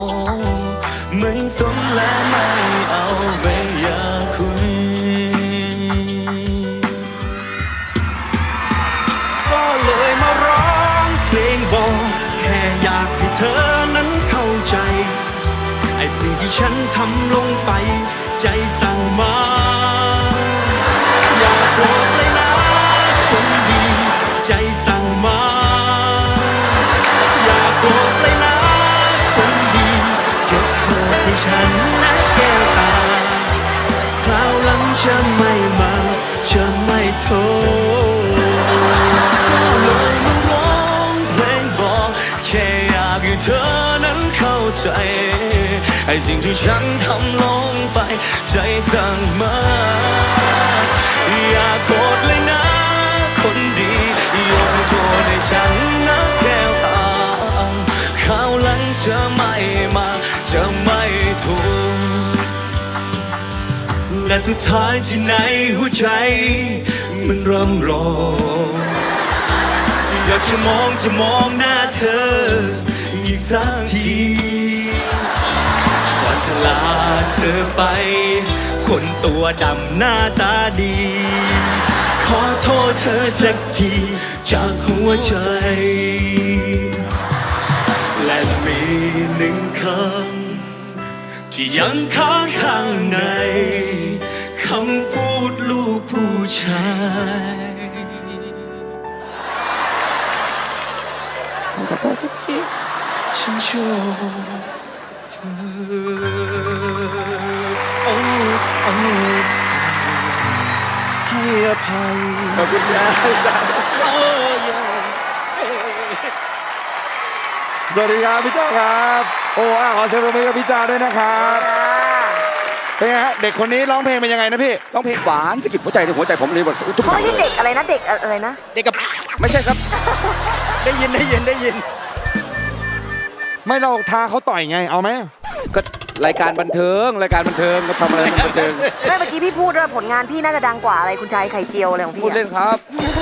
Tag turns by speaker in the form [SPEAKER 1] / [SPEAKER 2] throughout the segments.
[SPEAKER 1] ไม่สนและไม่เอาไม่อยากคุยก็เลยมาร้องเพลงบอกแค่อยากให้เธอนั้นเข้าใจไอ้สิ่งที่ฉันทำลงไปใจสั่งมาอย่าโกรธเลยนะคนดีใจสั่งมาอย่าโกรธเลยนะคนดียกเธอให้ฉันนะแก้วตาคราวหลังจะไม่มาจะไม่โทษเลยมาร้องเพลงบอกแค่อยากให้เธอนั้นเข้าใจไอ้สิ่งที่ฉันทำลงไปใจสั่งมาอย่าโกรธเลยนะคนดียกโทษให้ฉันนะแก้วตาคราวหลังจะไม่มาจะไม่ถูกและสุดท้ายที่ไหนหัวใจมันร่ำร้องอยากจะมองหน้าเธออีกสักทีก่อนจะลาเธอไปคนตัวดำหน้าตาดีขอโทษเธอสักทีจากหัวใจและมีหนึ่งคำที่ยังค้างข้างในคำพูดลูกผู้ชายขอโทษครับพี่ฉันชอบเธอโอ้ให้อภัยขอบคุณครับโอ้ย
[SPEAKER 2] สวัสดีครับพี่จ้าครับโอ้ขอเสียงปรบมือกับพี่จ้าด้วยนะครับเป็นไงฮะเด็กคนนี้ร้องเพลงเป็นยังไงนะพี่
[SPEAKER 3] ร้องเพลงหวานสะกิดหัวใจในหัวใจผมเลยแบบจุ๊บ
[SPEAKER 4] เขาไม่ใช่เด็กอะไรนะเด็กอะไรนะ
[SPEAKER 3] เด็กกับไม่ใช่ครับ
[SPEAKER 2] ได้ยินไม่เราท้าเขาต่อยไงเอาไหม
[SPEAKER 3] ก็รายการบันเทิงก็ทำอะไรบันเทิง
[SPEAKER 4] ไม่เมื่อกี้พี่พูดว่าผลงานพี่น่าจะดังกว่าอะไรคุณชายไข่เจียวอะไรของพี่
[SPEAKER 3] พูดเล่นครับ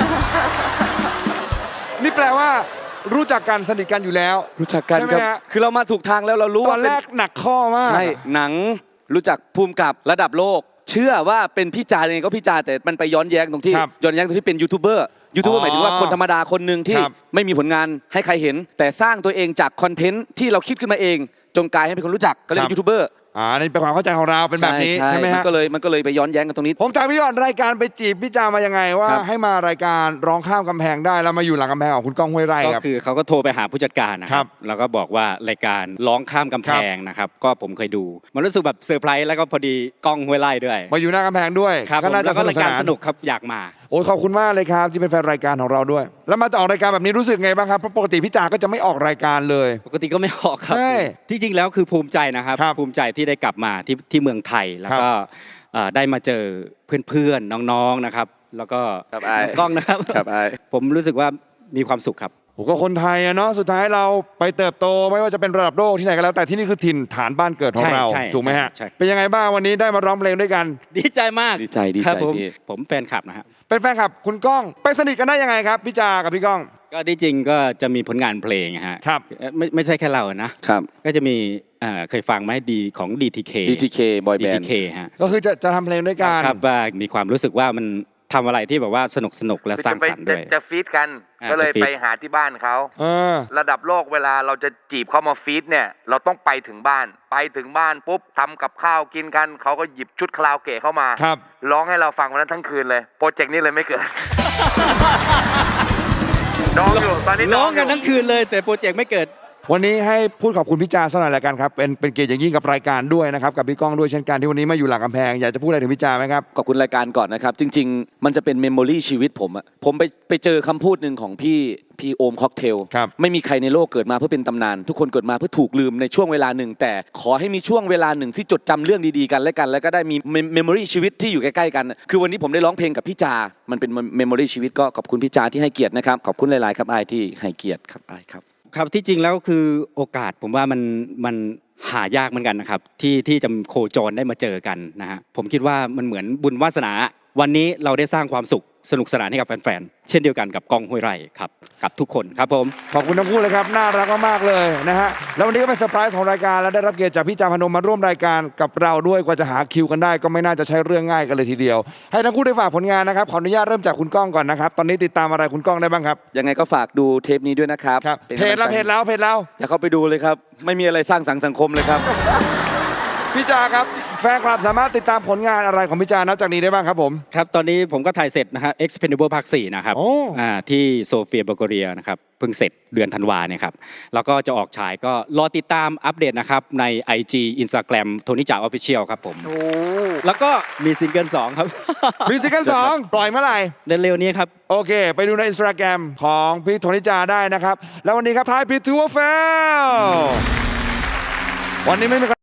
[SPEAKER 2] นี่แปลว่ารู้จักกันสนิทกันอยู่แล้ว
[SPEAKER 3] รู้จักกันครับคือเรามาถูกทางแล้วเรารู้
[SPEAKER 2] ตอนแรกหนักข้อมาก
[SPEAKER 3] ใช่หนังรู้จักภูมิกับระดับโลกเชื่อว่าเป็นพี่จายังไงก็พี่จาแต่มันไปย้อนแย้งตรงที่เป็นยูทูบเบอร์หมายถึงว่าคนธรรมดาคนหนึ่งที่ไม่มีผลงานให้ใครเห็นแต่สร้างตัวเองจากคอนเทนต์ที่เราคิดขึ้นมาเองจงกลายให้เป็นคนรู้จักก็เรียกยูทูบเบอร์
[SPEAKER 2] นี่เป็นความเข้าใจของเราเป็นแบบนี้ใช่ไหมฮะ
[SPEAKER 3] มันก็เลยไปย้อนแย้งกันตรงนี้
[SPEAKER 2] ผมถามพี่ก่อนรายการไปจีบพี่จามายังไงว่าให้มารายการร้องข้ามกำแพงได้แล้วมาอยู่หลังกำแพงของคุณก้องห้วยไร่ครับ
[SPEAKER 5] ก็คือเขาก็โทรไปหาผู้จัดการนะครับแล้วก็บอกว่ารายการร้องข้ามกำแพงนะครับก็ผมเคยดูมันรู้สึกแบบเซอร์ไพรส์แล้วก็พอดีก้องห้วยไร่ด้วย
[SPEAKER 2] มาอยู่หน้ากำแพงด้วย
[SPEAKER 5] ก็น่าจะรายการสนุกครับอยากมา
[SPEAKER 2] โอ้ขอบคุณมากเลยครับที่เป็นแฟนรายการของเราด้วยแล้วมาออกรายการแบบนี้รู้สึกไงบ้างครับเพราะปกติพี่จาก็จะไม่ออกรายการเลย
[SPEAKER 5] ปกติก็ไม่ออกครับที่จริงแล้วคือภูมิใจนะครับภูมิใจที่ได้กลับมาที่เมืองไทยแล้วก็ได้มาเจอเพื่อนๆน้องๆนะครับแล้วก็กล้องนะครับผมรู้สึกว่ามีความสุขครับ
[SPEAKER 2] ก็คนไทยอะเนาะสุดท้ายเราไปเติบโตไม่ว่าจะเป็นระดับโลกที่ไหนก็แล้วแต่ที่นี่คือถิ่นฐานบ้านเกิดของเราถูกไหมฮะเป็นยังไงบ้างวันนี้ได้มาร้องเพลงด้วยกัน
[SPEAKER 5] ดีใจมาก
[SPEAKER 3] ดีใจ
[SPEAKER 5] ผมแฟนคลับนะฮะ
[SPEAKER 2] เป็นแฟนคลับคุณก้องไปสนิทกันได้ยังไงครับพี่จากับพี่ก้อง
[SPEAKER 5] ก็ที่จริงก็จะมีผลงานเพลงฮะ
[SPEAKER 2] ครับ
[SPEAKER 5] ไม่ใช่แค่เรานะครับก็จะมีเคยฟังไหมดีของ DTK
[SPEAKER 3] Boy Band
[SPEAKER 5] ฮะ
[SPEAKER 2] ก็คือจะทำเพลงด้วยกัน
[SPEAKER 5] ครับว่ามีความรู้สึกว่ามันทำอะไรที่แบบว่าสนุกและสร้างสรรค์ด้วย
[SPEAKER 6] จะฟีดกันก็เลยไปหาที่บ้านเขาระดับโลกเวลาเราจะจีบเขามาฟีดเนี่ยเราต้องไปถึงบ้านปุ๊บทำกับข้าวกินกันเขาก็หยิบชุดคาราโอเกะเข้ามาร้องให้เราฟังวันนั้นทั้งคืนเลยโปรเจกต์นี้เลยไม่เกิดร้องอยู่ตอนนี้
[SPEAKER 5] ร้องกันทั้งคืนเลยแต่โปรเจกต์ไม่เกิด
[SPEAKER 2] วันนี้ให้พูดขอบคุณพี่จาสักหน่อยละกันครับเป็นเกียรติอย่างยิ่งกับรายการด้วยนะครับกับพี่ก้องด้วยเช่นกันที่วันนี้มาอยู่หลังกำแพงอยากจะพูดอะไรถึงพี่จาไหมครับ
[SPEAKER 3] ขอบคุณรายการก่อนนะครับจริงๆมันจะเป็นเมมโมรี่ชีวิตผมไปเจอคำพูดหนึ่งของพี่โอมค็อกเทลไม่มีใครในโลกเกิดมาเพื่อเป็นตำนานทุกคนเกิดมาเพื่อถูกลืมในช่วงเวลาหนึ่งแต่ขอให้มีช่วงเวลาหนึ่งที่จดจำเรื่องดีๆกันและก็ได้มีเมมโมรี่ชีวิตที่อยู่ใกล้ๆกันคือวันนี้ผมได้ร้องเพลงกับพี่จามันเป็นเมมโมรี่ชีวิตก็ขอบคุณพี่จาที่ให้เกียรตินะครับขอบคุณหลายๆครับอายที่ให้เกียรติครับอายครับ
[SPEAKER 5] ครับที่จริงแล้วคือโอกาสผมว่ามันหายากเหมือนกันนะครับที่จะโคจรได้มาเจอกันนะฮะผมคิดว่ามันเหมือนบุญวาสนาวันนี้เราได้สร้างความสุขสนุกสนานให้กับแฟนๆเช่นเดียวกันกับก้องห้วยไร่ครับกับทุกคนครับผม
[SPEAKER 2] ขอบคุณทั้งคู่เลยครับน่ารักมากๆเลยนะฮะแล้ววันนี้ก็เป็นเซอร์ไพรส์ของรายการและได้รับเกียรติจากพี่จาพนมมาร่วมรายการกับเราด้วยกว่าจะหาคิวกันได้ก็ไม่น่าจะใช้เรื่องง่ายกันเลยทีเดียวให้ทั้งคู่ได้ฝากผลงานนะครับขออนุญาตเริ่มจากคุณก้องก่อนนะครับตอนนี้ติดตามอะไรคุณก้องได้บ้างครับ
[SPEAKER 3] ยังไงก็ฝากดูเทปนี้ด้วยนะครับ
[SPEAKER 2] เพจเรา
[SPEAKER 3] อย่าเข้าไปดูเลยครับไม่มีอะไรสร้างสรรค์สังคมเลยครับ
[SPEAKER 2] พี่จาครับแฟนคลับสามารถติดตามผลงานอะไรของพี่จานับจากนี้ได้บ้างครับผม
[SPEAKER 5] ครับตอนนี้ผมก็ถ่ายเสร็จนะฮะ Expendable ภาค 4 นะครับที่โซเฟียบัลแกเรียนะครับเพิ่งเสร็จเดือนธันวาเนี่ยครับแล้วก็จะออกฉายก็รอติดตามอัปเดตนะครับใน IG Instagram โทนี่จ่า Official ครับผมแล้วก็มีซิงเกิล2ครับ
[SPEAKER 2] มีซิงเกิล2ปล่อยเมื่อไหร่
[SPEAKER 5] เร็วๆนี้ครับ
[SPEAKER 2] โอเคไปดูใน Instagram ของพี่โทนิจาได้นะครับแล้ววันนี้ครับท้ายพิทูเฟลวันนี้ไม่มี